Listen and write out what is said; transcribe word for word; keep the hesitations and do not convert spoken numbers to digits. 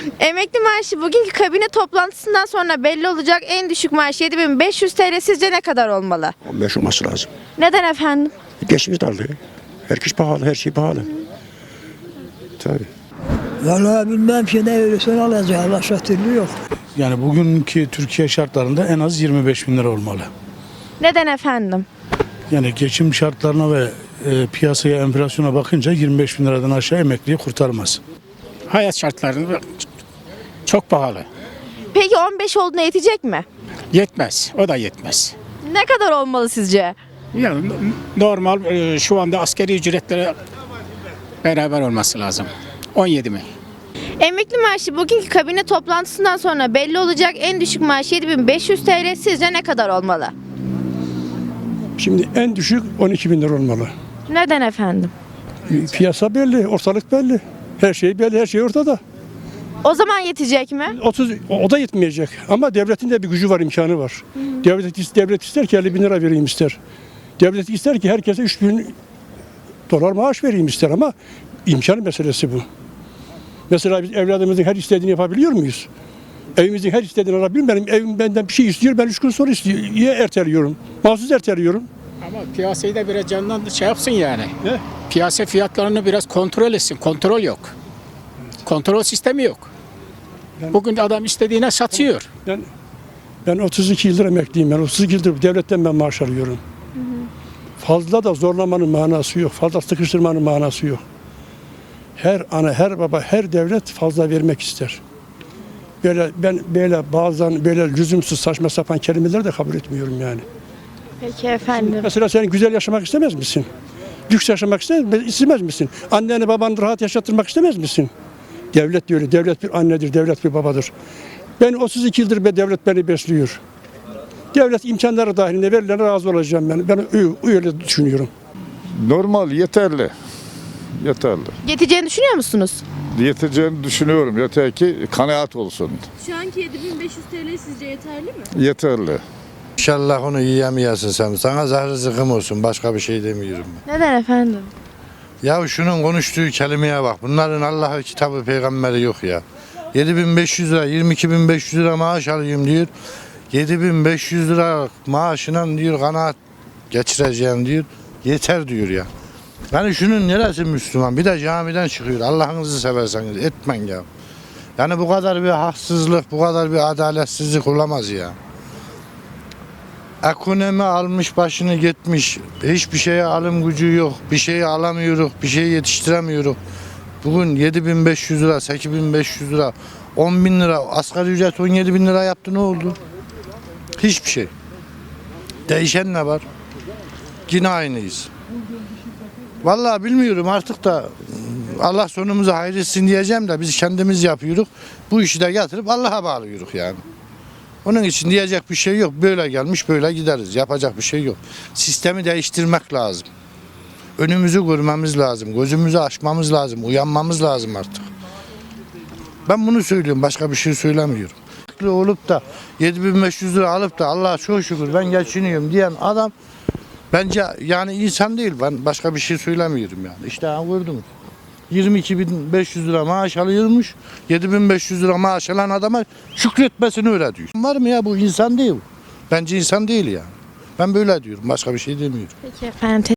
Emekli maaşı bugünkü kabine toplantısından sonra belli olacak en düşük maaş yedi bin beş yüz T L sizce ne kadar olmalı? on beş olması lazım. Neden efendim? Geçmiş darlığı. Herkes pahalı, her şey pahalı. Tabii. Vallahi bilmem ki ne verirsen alacak. Başka türlü yok. Yani bugünkü Türkiye şartlarında en az yirmi beş bin lira olmalı. Neden efendim? Yani geçim şartlarına ve e, piyasaya, enflasyona bakınca yirmi beş bin liradan aşağı emekliyi kurtarmaz. Hayat şartları çok pahalı. Peki on beş olduğuna yetecek mi? Yetmez. O da yetmez. Ne kadar olmalı sizce? Yani normal e, şu anda askeri ücretlere beraber olması lazım. on yedi mi? Emekli maaşı bugünkü kabine toplantısından sonra belli olacak en düşük maaş yedi bin beş yüz T L sizce ne kadar olmalı? Şimdi en düşük on iki bin lira olmalı. Neden efendim? Piyasa belli, ortalık belli. Her şey belli, her şey ortada. O zaman yetecek mi? otuz o da yetmeyecek ama devletin de bir gücü var, imkanı var. Devlet devlet ister ki elli bin lira vereyim ister. Devlet ister ki herkese üç bin dolar maaş vereyim ister ama imkan meselesi bu. Mesela biz evladımızın her istediğini yapabiliyor muyuz? Evimizin her istediğini alabiliyor muyum? Benim evim benden bir şey istiyor, ben üç gün sonra istiyor. Niye erteliyorum? Mahsus erteliyorum. Ama piyasayı da biraz candan şey yapsın yani. Ne? Piyasa fiyatlarını biraz kontrol etsin. Kontrol yok. Kontrol sistemi yok. Bugün adam istediğine satıyor. Ben ben otuz iki yıldır emekliyim. Ben otuz iki yıldır devletten ben maaş alıyorum. Fazla da zorlamanın manası yok. Fazla sıkıştırmanın manası yok. Her ana, her baba, her devlet fazla vermek ister. Böyle ben böyle bazen böyle lüzumsuz saçma sapan kelimeleri de kabul etmiyorum yani. Peki efendim. Mesela sen güzel yaşamak istemez misin? Lüks yaşamak istemez, istemez misin? Anneni babanı rahat yaşattırmak istemez misin? Devlet de öyle. Devlet bir annedir, devlet bir babadır. Ben otuz iki yıldır be devlet beni besliyor. Devlet imkanları dahilinde verilene razı olacağım ben. Ben öyle düşünüyorum. Normal, yeterli. Yeterli. Yeteceğini düşünüyor musunuz? Yeteceğini düşünüyorum. Yeter ki kanaat olsun. Şu anki yedi bin beş yüz T L sizce yeterli mi? Yeterli. İnşallah onu yiyemeyesin sen. Sana zahri zıkkım olsun. Başka bir şey demiyorum ben. Neden efendim? Ya şunun konuştuğu kelimeye bak. Bunların Allah'ı kitabı peygamberi yok ya. yedi bin beş yüz lira, yirmi iki bin beş yüz lira maaş alayım diyor. yedi bin beş yüz lira maaşına diyor kanaat geçireceğim diyor. Yeter diyor ya. Yani şunun neresi Müslüman? Bir de camiden çıkıyor. Allah'ınızı severseniz etmen ya. Yani bu kadar bir haksızlık, bu kadar bir adaletsizlik olamaz ya. Ekonomi almış başını gitmiş. Hiçbir şeye alım gücü yok. Bir şeyi alamıyoruz. Bir şeyi yetiştiremiyoruz. Bugün yedi bin beş yüz lira, sekiz bin beş yüz lira, on bin lira, asgari ücret on yedi bin lira yaptı, ne oldu? Hiçbir şey. Değişen ne var? Yine aynıyız. Vallahi bilmiyorum artık da Allah sonumuzu hayretsin diyeceğim de biz kendimiz yapıyoruz. Bu işi de getirip Allah'a bağlıyoruz yani. Onun için diyecek bir şey yok. Böyle gelmiş böyle gideriz. Yapacak bir şey yok. Sistemi değiştirmek lazım. Önümüzü görmemiz lazım. Gözümüzü açmamız lazım. Uyanmamız lazım artık. Ben bunu söylüyorum. Başka bir şey söylemiyorum. Olup da yedi bin beş yüz lira alıp da Allah'a çok şükür ben geçiniyorum diyen adam bence yani insan değil. Ben başka bir şey söylemiyorum yani. İşte gördünüz. yirmi iki bin beş yüz lira maaş alıyormuş. yedi bin beş yüz lira maaş alan adama şükretmesini öyle diyor. Var mı ya, bu insan değil. Bence insan değil yani. Ben böyle diyorum. Başka bir şey demiyorum. Peki efendim.